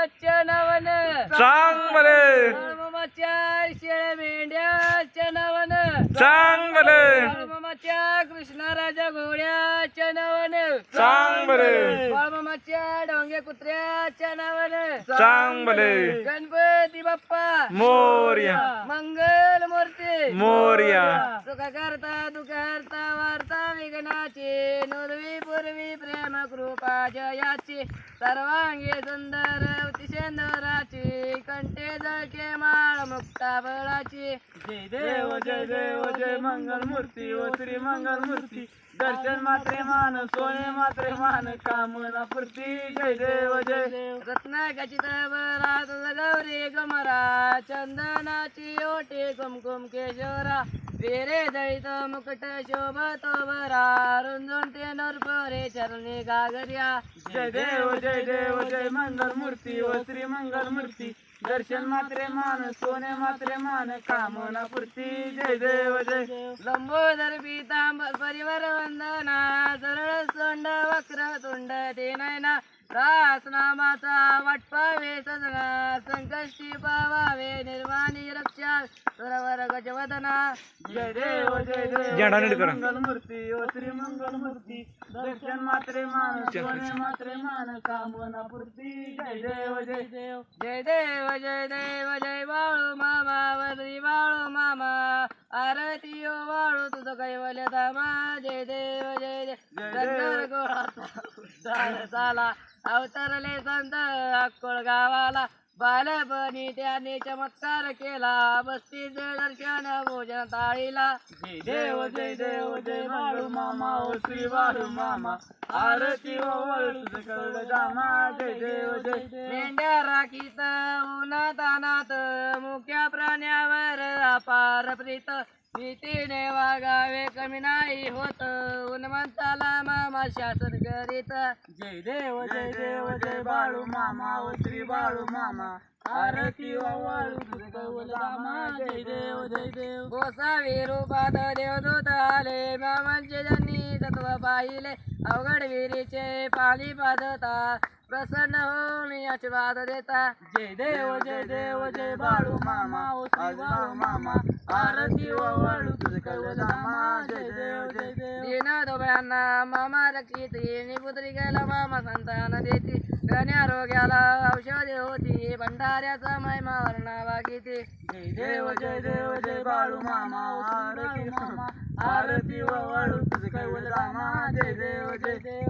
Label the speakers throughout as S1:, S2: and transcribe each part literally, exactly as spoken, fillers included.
S1: मेंढ्याच्या नावानं
S2: सांग बरे
S1: बाळूमामाच्या शेळ्या मेंढ्याच्या नावानं
S2: सांग बरे
S1: बाळूमामाच्या कृष्णा राजा घोड्याच्या नावानं
S2: सांग बरे
S1: बाळूमामाच्या डोंगे कुत्र्याच्या नावानं
S2: सांग बरे
S1: गणपती बाप्पा
S2: मोरया
S1: मंगल मूर्ती
S2: मोरया
S1: सुख करता दुःख हरता वार्ता विघ्नाची नुर्वी पूर्वी प्रेम कृपा जयाची सर्वांगी सुंदर अतिशंदराची कंठे जळके माळ मुक्ता बळाची
S3: जय देव जय देव जय मंगल मूर्ती ओ श्री मंगल मूर्ती दर्शन मात्रे मान सोने मात्रे मान कामना पूर्ती जय देव जय देव
S1: रत्नाकाची तबरात गौरी गमरा चंदनाची ओटी कुमकुम केशोरा वेरे दळित मुकुट शोभतो बरा रुंजून ते नरपरे चरणी गागर्या
S3: जय देव जय देव जय मंगल मूर्ती ओ श्री मंगल मूर्ती दर्शन मात्रे मान सोने मात्रे मान कामना पूर्ती जय देव जय देव
S1: लंबोदर पीतांबर परिवार वंदना सरळ सोंड वक्र तुंड ते नयना रास नामाचा वाटपावे सजना संकष्टी पावावे निर्वाणी रक्षा सुरवर गजवदना
S3: जय देव जय देव
S2: झेंडा नीट
S3: जय
S2: करा.
S3: मंगल मूर्ती ओ श्री मंगल मूर्ती दर्शन मात्रे मान सोने मात्रे मान कामना पूर्ती जय देव जय देव
S1: जय देव जय देव जय बाळू मामा वरी बाळू मामा आरती ओ बाळू तुझं कैवल्य धामा जय देव जय देव गंधर गोळाचा उद्धार झाला अवतरले संत अक्कोळ गावाला बालपणी त्याने चमत्कार केला बस्ती दर्शन भोजन ताळीला
S3: जय देव जय देव जय बाळू मामा ओ श्री बाळू मामा आरती ओ वळू सकळ दामा जय देव जय देव
S1: मेंढ्या राखीत उन्हात अनाथ मुख्या प्राण्यावर अपार प्रीत भीतीने वागावे कमी नाही होत उन्मंताला मामा शासन करीत
S3: जय देव जय देव जय बाळू मामा ओ श्री बाळू मामा आरती ओ वळू सकळ दामा जय देव जय देव
S1: गोसावी रूपात देवदूत आले मामांचे ज्यांनी तत्व पाहिले अवघड विहिरीचे पाणी पाजता प्रसन्न होऊन आशीर्वाद देता
S3: जय देव जय देव जय बाळू मामा ओ श्री बाळू मामा आरती ओ वळू सकळ दामा जय देव जय देव
S1: दीन दोघांना मामा रक्षित पुत्री गेला मामा संतान देती गण्या रोग्याला औषधी होती भंडाऱ्याचा महिमा वर्णावा किती
S3: जय देव जय देव जय बाळू मामा ओ श्री बाळू मामा आरती ओ वळू सकळ दामा जय देव जय देव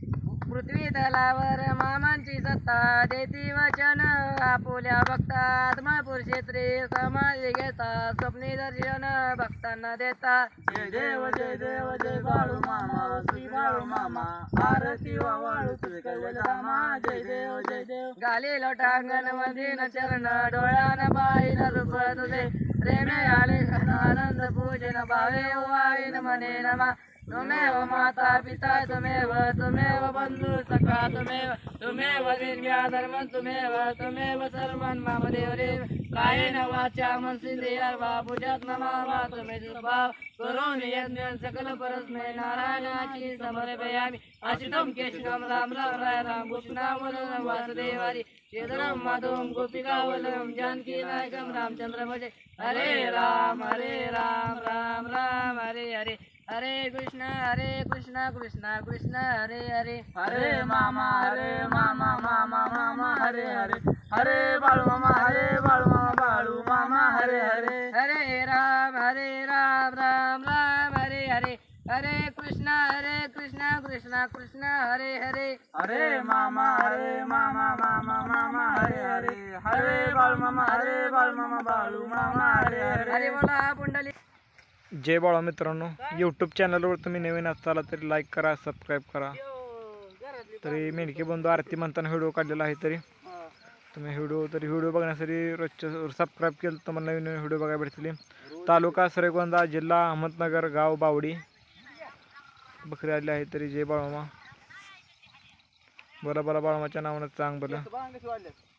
S1: पृथ्वी तलावर मामांची सत्ता देती वचन आपुल्या भक्तात महापूर क्षेत्री समाज घेता स्वप्नी दर्शन भक्तांना देता
S3: जय देव जय देव जय बाळू मामा ओ श्री बाळू मामा आरती ओ वळू सकळ दामा जय देव जय देव
S1: गाली लोटांगण मधीन चरण डोळ्यान पाहिन रूप तुझे प्रेमे आले आनंद पूजन भावे वाईन मने नमा तुमेव माता पिता तुमेव तुमेव बंधू सखा तुमेव तुमेव विद्या धर्म तुमेव तुमेव सर्वन मम देव रे कायेन वाचा मनसिंद्रिया वा पूजात नमावा तुमे स्वभाव करून यज्ञ सकल परस्मै नारायणाची समर्पयामि अचितम केशवम राम राम राय राम कृष्णावलं वासुदेवारी श्रीधरम माधवम गोपिकावलम जानकी नायकम रामचंद्र भजे हरे राम हरे राम राम राम हरे हरे हरे कृष्ण हरे कृष्ण कृष्ण कृष्ण हरे हरे
S3: हरे मामा हरे मामा मामा मामा हरे हरे हरे बाळू मामा हरे बाळू मामा बाळू मामा हरे हरे
S1: हरे राम हरे राम राम राम हरे हरे हरे कृष्ण हरे कृष्ण कृष्ण कृष्ण हरे हरे
S3: हरे मामा हरे मामा मामा मामा हरे हरे हरे बाळू मामा हरे बाळू मामा बाळू मामा हरे हरे
S1: हरे बोला पुंडली
S2: जय बाळा मित्रांनो, यूट्यूब चॅनलवर तुम्ही नवीन असाल तरी लाईक करा, सबस्क्राईब करा. तरी मेंढके बंधू आरती म्हणताना व्हिडिओ काढलेला आहे. तरी तुम्ही व्हिडिओ तरी व्हिडिओ बघण्यासाठी रोजच्या सबस्क्राईब केलं तर मला नवीन नवीन व्हिडिओ बघायला भेटतील. तालुका श्रीगोंदा, जिल्हा अहमदनगर, गाव बावडी. बकरी आली आहे. तरी जय बाळामा. बोला बोला बाळामाच्या नावानं चांग बोला.